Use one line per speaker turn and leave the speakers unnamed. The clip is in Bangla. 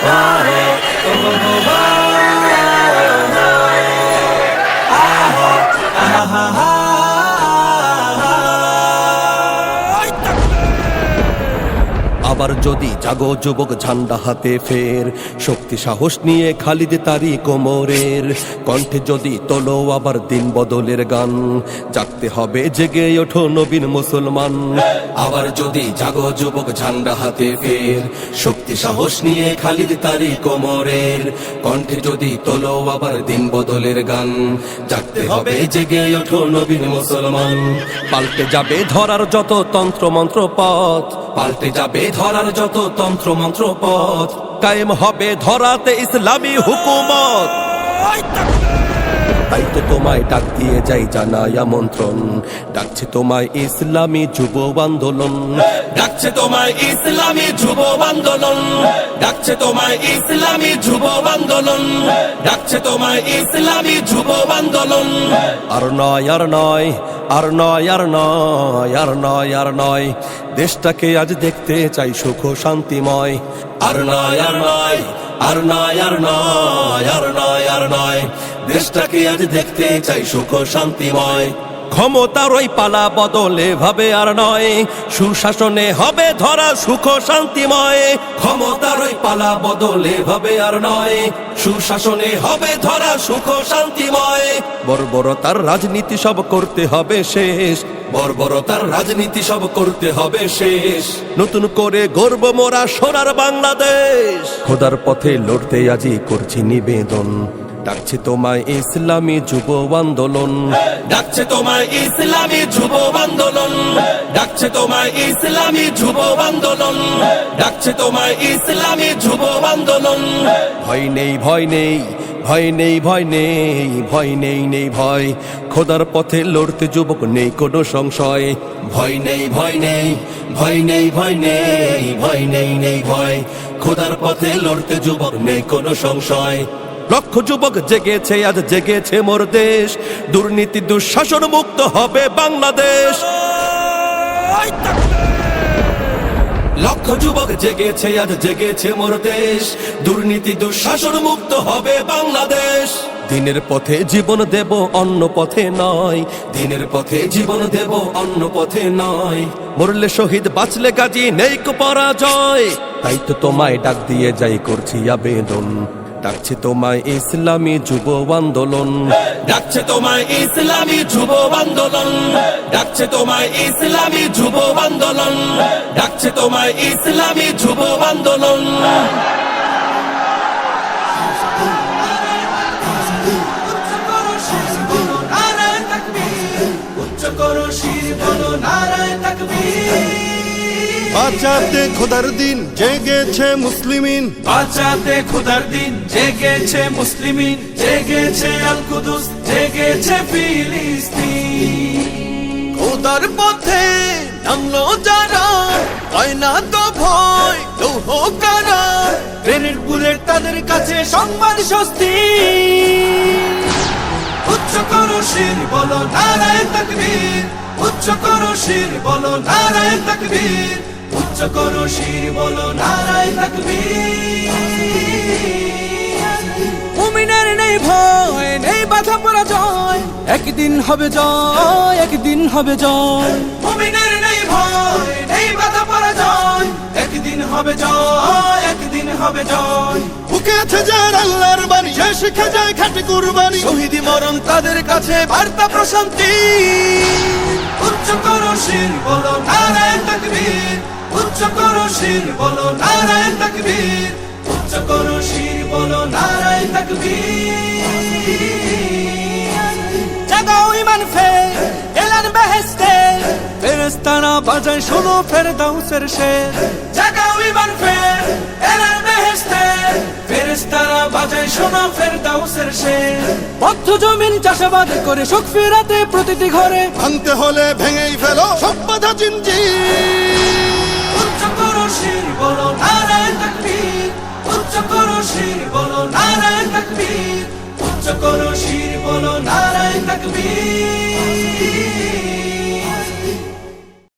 মুবারক
আবার যদি জাগো যুবক ঝান্ডা হাতে ফের শক্তি সাহস নিয়ে খালিদ তারি কোমরের কণ্ঠে যদি তোলো আবার দিন বদলের গান জাগতে হবে জেগে ওঠো নবীন মুসলমান। আবার যদি জাগো যুবক ঝান্ডা হাতে ফের শক্তি সাহস নিয়ে খালিদ তারি কোমরের কণ্ঠে যদি তোলো আবার দিন বদলের গান জাগতে হবে জেগে ওঠো নবীন মুসলমান। পাল্টে যাবে ধরার যত তন্ত্র মন্ত্র পথ, পাল্টে যাবে ধরার যত তন্ত্র মন্ত্র পথ, কায়েম হবে ধরাতে ইসলামী হুকুমত। তাই তো তোমায় ডাক দিয়ে যাই জানাই আমন্ত্রণ, ডাকছে তোমায় ইসলামী যুব আন্দোলন, ডাকছে তোমায় ইসলামী যুব আন্দোলন, ডাকছে তোমায় ইসলামী যুব আন্দোলন, ডাকছে তোমায় ইসলামী যুব আন্দোলন। আর নয় আর নয় আর নয় আর নয় আর নয় আর নয়, দেশটাকে আজ দেখতে চাই সুখ শান্তিময়। আর নয় আর নয় আর নয় আর নয় আর নয় আর নয়, দেশটাকে আজ দেখতে চাই সুখ শান্তিময়। ক্ষমতার ওই পালা বদলে ভাবে আর নয়, সুশাসনে হবে ধরা সুখ শান্তিময়। ক্ষমতার ওই পালা বদলে ভাবে আর নয়, সুশাসনে হবে ধরা সুখ শান্তিময়। বর্বরতার রাজনীতি সব করতে হবে শেষ, বর্বরতার রাজনীতি সব করতে হবে শেষ। নতুন করে গর্ব মোরা সোনার বাংলাদেশ, খোদার পথে লড়তে আজই করছি নিবেদন, ডাকছে তোমায় ইসলামী যুব আন্দোলন, ডাকছে তোমায় ইসলামী যুব আন্দোলন, ডাকছে তোমায় ইসলামী যুব আন্দোলন, ডাকছে তোমায় ইসলামী যুব আন্দোলন। ভয় নেই ভয় নেই ভয় নেই ভয় নেই ভয় নেই নেই ভয়, খোদার পথে লড়তে যুবক নেই কোনো সংশয়। ভয় নেই ভয় নেই ভয় নেই ভয় নেই ভয় নেই নেই ভয়, খোদার পথে লড়তে যুবক নেই কোনো সংশয়। লক্ষ যুবক জেগেছে আজ জেগেছে মোর দেশ, দুর্নীতি দুঃশাসন মুক্ত হবে বাংলাদেশ। লক্ষ যুবক জেগেছে আজ জেগেছে মোর দেশ, দুর্নীতি দুঃশাসন মুক্ত হবে বাংলাদেশ। দিনের পথে জীবন দেব অন্য পথে নয়, দিনের পথে জীবন দেব অন্য পথে নয়। মরলে শহীদ বাঁচলে গাজী নেই কো পরাজয়, তাই তো তোমায় ডাক দিয়ে যাই করছি আবেদন, ডাকছে তোমায় ইসলামী যুব আন্দোলন, ডাকছে তোমায় ইসলামী যুব আন্দোলন, ডাকছে তোমায় ইসলামী যুব আন্দোলন, ডাকছে তোমায় ইসলামী যুব আন্দোলন।
বাঁচাতে খোদার দিন জেগেছে মুসলিমিন,
বাঁচাতে খোদার দিন জেগেছে মুসলিমিন, জেগেছে আল কুদুস, জেগেছে ফিলিস্তিন।
খোদার পথে নামলো যারা, হয় না তো ভয় লৌহ কারা,
গ্রেনেড বুলেট তাদের কাছে সংবাদ স্বস্তি। উচ্চ করো শির বলো নারায়ে তাকবীর, উচ্চ করো শির বলো নারায়ে তাকবীর, উচ্চ করো শির বলো নারায়ে তাকবীর।
মুমিনের নেই ভয় নেই বাধা পরাজয়, একদিন হবে জয় একদিন হবে জয়।
মুমিনের নেই ভয় নেই বাধা পরাজয়, একদিন হবে জয় একদিন হবে জয়।
বুকে আছে যার আল্লাহর বাণী, সে শিখে যায় খাঁটি কুরবানি, শহীদি মরণ তাদের কাছে বার্তা প্রশান্তি।
উচ্চ করো শির বলো নারায়ে তাকবীর, উচ্চ করো শির বলো নারায়ে তাকবীর, উচ্চ করো শির বলো নারায়ে তাকবীর।
জাগাও ইমান ফের এলান বেহেশতে, ফেরেশতারা বাজায় শোনো ফেরদাউসের শের।
জাগাও ইমান ফের এলান বেহেশতে, ফেরেশতারা বাজায় শোনো ফেরদাউসের শের।
বদ্ধ জমিন চাষাবাদ করে সুখ ফেরাতে প্রতিটি ঘরে,
ভাঙতে হলে ভেঙেই ফেলো সব বাধা জিনজির।
উচ্চ করো শির বলো নারায়ে তাকবীর, উচ্চ করো শির বলো নারায়ে তাকবীর, উচ্চ করো শির বলো নারায়ে তাকবীর।